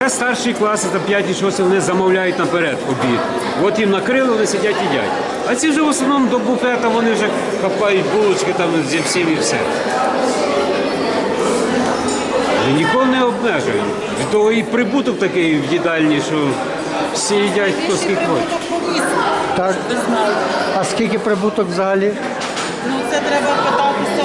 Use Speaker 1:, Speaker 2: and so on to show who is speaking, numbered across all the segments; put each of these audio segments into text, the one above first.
Speaker 1: Зараз старші класи, там 5-6, вони замовляють наперед обід. От їм накрили, вони сидять і їдять. А ці вже в основному до буфета, вони вже хапають булочки там зі всім і все. І нікого не обмежують. Від того і прибуток такий в їдальні, що всі їдять, хто скільки хоче.
Speaker 2: Так. А скільки прибуток взагалі?
Speaker 3: Ну це треба питатися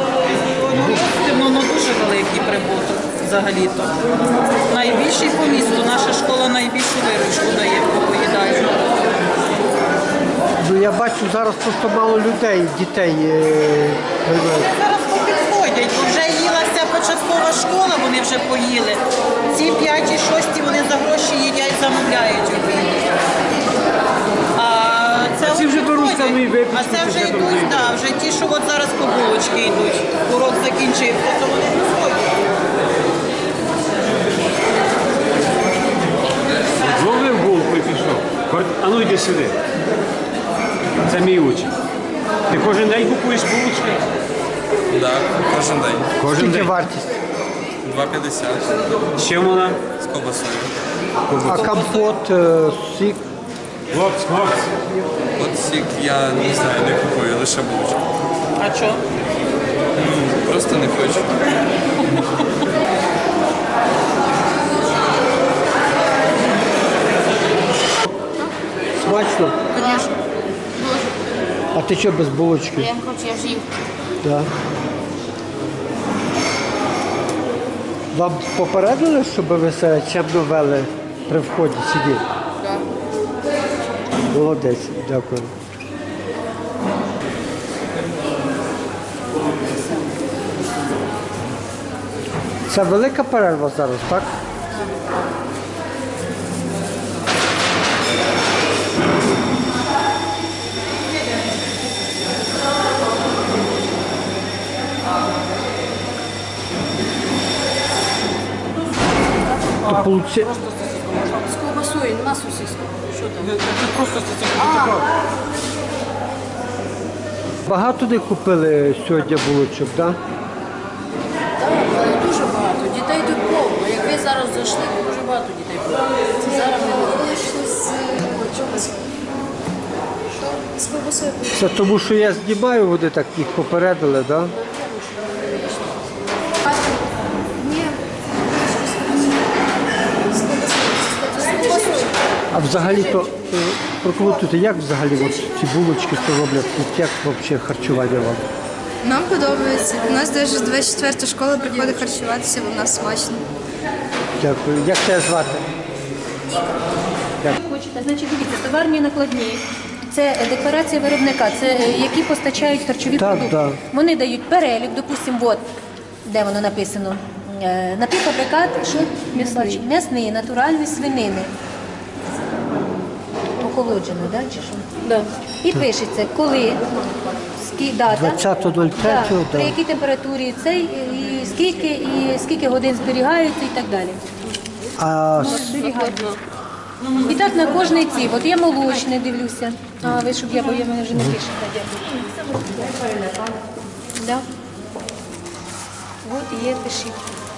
Speaker 3: ну дуже великий прибуток взагалі-то. Найбільший по місту. Наша школа найбільшу виручку дає по поїдальні.
Speaker 2: Ну, я бачу, зараз просто мало людей, дітей.
Speaker 3: Зараз попідходять, бо вже їлася початкова школа, вони вже поїли. Ці 5 і 6 вони за гроші їдять, замовляють обід.
Speaker 1: Ці вже беруть там і випічку.
Speaker 3: А це вже йдуть, так, вже ті, що от зараз по булочки йдуть. Урок закінчився, то вони приходять.
Speaker 1: Зловив булку і пішов. А ну йди сюди. Це мій учень. Ти кожен день купуєш булочки?
Speaker 4: Так, кожен день.
Speaker 1: Кожен
Speaker 2: Скільки
Speaker 1: день.
Speaker 2: вартість?
Speaker 4: 2,50
Speaker 1: З чим вона?
Speaker 4: з ковбасою.
Speaker 2: А компот, сік?
Speaker 1: Хлопці.
Speaker 4: От сік я не знаю, не купую, лише булочку.
Speaker 3: А що?
Speaker 4: Просто не хочу.
Speaker 2: Смачно?
Speaker 5: Конечно.
Speaker 2: А ти що без булочки?
Speaker 5: Я не хочу, я ж їм.
Speaker 2: Так. Вам попередили, щоб ви себе чемно вели при вході сидіти?
Speaker 5: Так.
Speaker 2: Молодець, дякую. Це велика перерва зараз, так? То получи...
Speaker 5: З ковбасою, нема сосиску. Що там?
Speaker 2: Багато не купили сьогодні булочок, так?
Speaker 5: Так, але дуже багато. Дітей тут повно. Як ви зараз зайшли, дуже багато дітей повно. Зараз ми вийшли з чогось. Що? З ковбасою.
Speaker 2: Це тому, що я знімаю, вони так їх попередили, так?
Speaker 5: Ні. З ковбасою.
Speaker 2: А взагалі-то прокоментуйте, як взагалі от ці булочки що роблять, от як взагалі харчування вам?
Speaker 6: Нам подобається. У нас навіть 24 школа приходить харчуватися, бо в нас смачно.
Speaker 2: Дякую. Як тебе звати?
Speaker 7: Хочете, значить, дивіться, товарні накладні. Це декларація виробника, це які постачають харчові
Speaker 2: Так,
Speaker 7: продукти.
Speaker 2: да.
Speaker 7: Вони дають перелік, допустимо, от, де воно написано. Напівфабрикат, що м'ясний, натуральний свинини. Охолоджено, да, чи що? Да. І пишеться, коли, дата,
Speaker 2: 20.03,
Speaker 7: да,
Speaker 2: да.
Speaker 7: при якій температурі цей, і скільки годин зберігаються і так далі.
Speaker 2: А
Speaker 7: Зберігаються. І так на кожний ці. От я молочне дивлюся. А ви щоб бо я мене вже не пише. Да. От є, пишіть.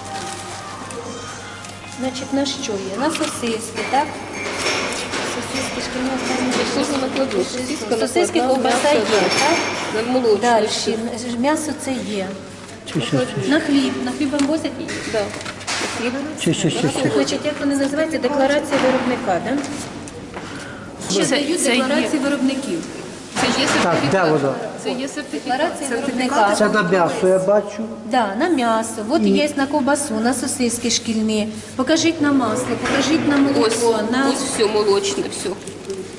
Speaker 7: Значить, на що є? На сосиски, так? Сосиски, шкільні. Сосиски, ковбаса є, так? Далі. М'ясо це є. На хліб. На хліб вам возять? Так. Значить, як вони називаються? Декларація виробника, так? Ще дають декларації виробників.
Speaker 5: Це є
Speaker 2: так, де воно?
Speaker 5: Це є сертифікат.
Speaker 7: Декларація виробника.
Speaker 2: Це на м'ясо я бачу.
Speaker 7: Да, на м'ясо. От є на ковбасу, на сосиски шкільні. Покажіть на масло, покажіть на молоко.
Speaker 5: Ось все молочне, все.